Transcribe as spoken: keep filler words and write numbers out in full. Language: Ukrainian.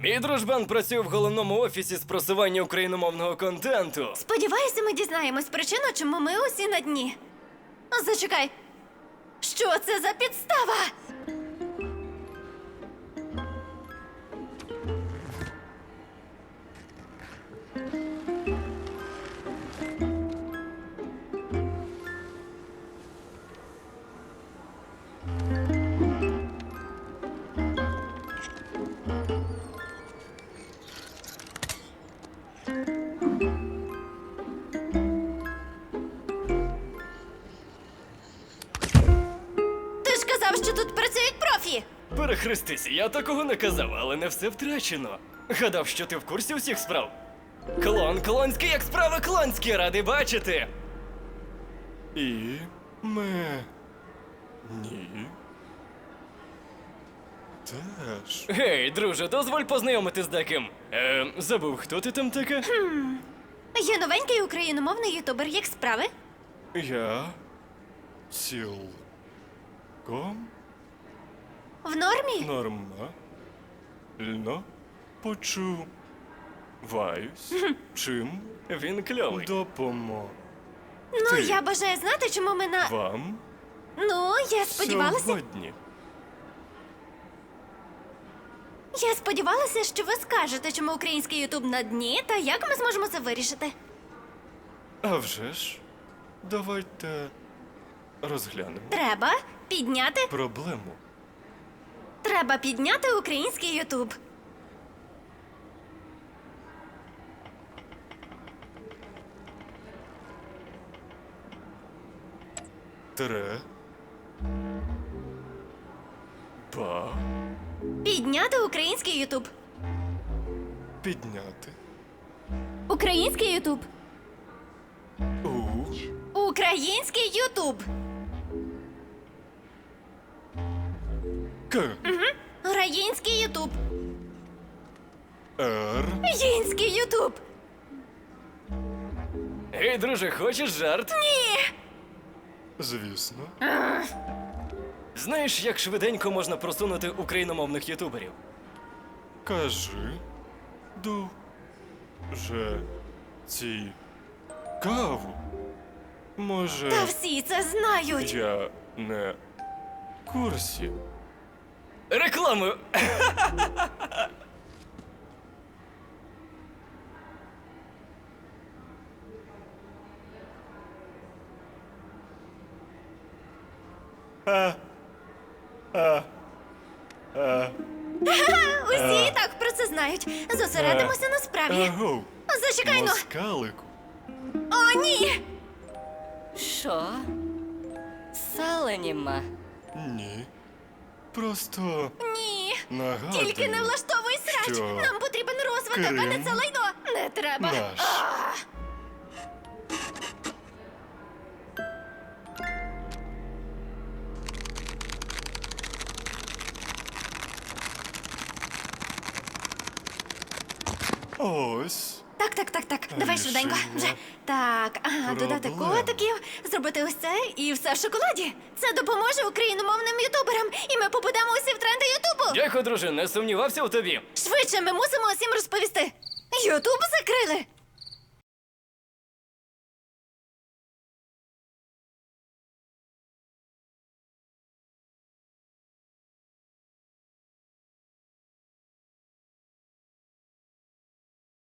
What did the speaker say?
Мій дружбан працює в головному офісі з просування україномовного контенту. Сподіваюся, ми дізнаємось причину, чому ми усі на дні. Зачекай. Що це за підстава? Ти ж казав, що тут працюють профі. Перехрестися, я такого не казав, але не все втрачено. Гадав, що ти в курсі усіх справ. Клон, клонський, як справи клонські, радий бачити. І ми... Ні. Теж. Гей, друже, дозволь познайомити з деким. Ем, забув, хто ти там таке? Є новенький україномовний ютубер, як справи? Я... Цілком В нормі? нормально почуваюсь. Чим Він кльовий. допомогти Ну, я бажаю знати, чому ми на... вам Ну, я сподівалася... сьогодні? Я сподівалася, що ви скажете, чому український ютуб на дні, та як ми зможемо це вирішити. А вже ж, давайте розглянемо Треба підняти... проблему. Треба підняти український ютуб. Тре... Ба... Підняти український ютуб. Підняти. Український ютуб. У... Український ютуб. К... Український ютуб. Р... Український ютуб. Гей, друже, хочеш жарт? Ні. Звісно. Знаєш, як швиденько можна просунути україномовних ютуберів? Кажи. Дуже цікаво. Може, Та всі це знають. я не в курсі. Рекламою! Усі і так про це знають. Зосередимося на справі. Агов, Зачекай, ну. москалику. О, ні. Що? Сала нема. Ні. Просто Ні. нагадую. Тільки не влаштовуй срач. що Нам потрібен розвиток, а не Крим це лайно. Не треба. наш. А. Ось. Так, так, так, так. Давай Рішення швиденько. Вже. Так, ага, додати проблем. котиків, зробити ось це і все в шоколаді. Це допоможе україномовним ютуберам, і ми попадемо усі в тренди Ютубу. Дякую, друже, не сумнівався у тобі. Швидше, ми мусимо усім розповісти. Ютуб закрили.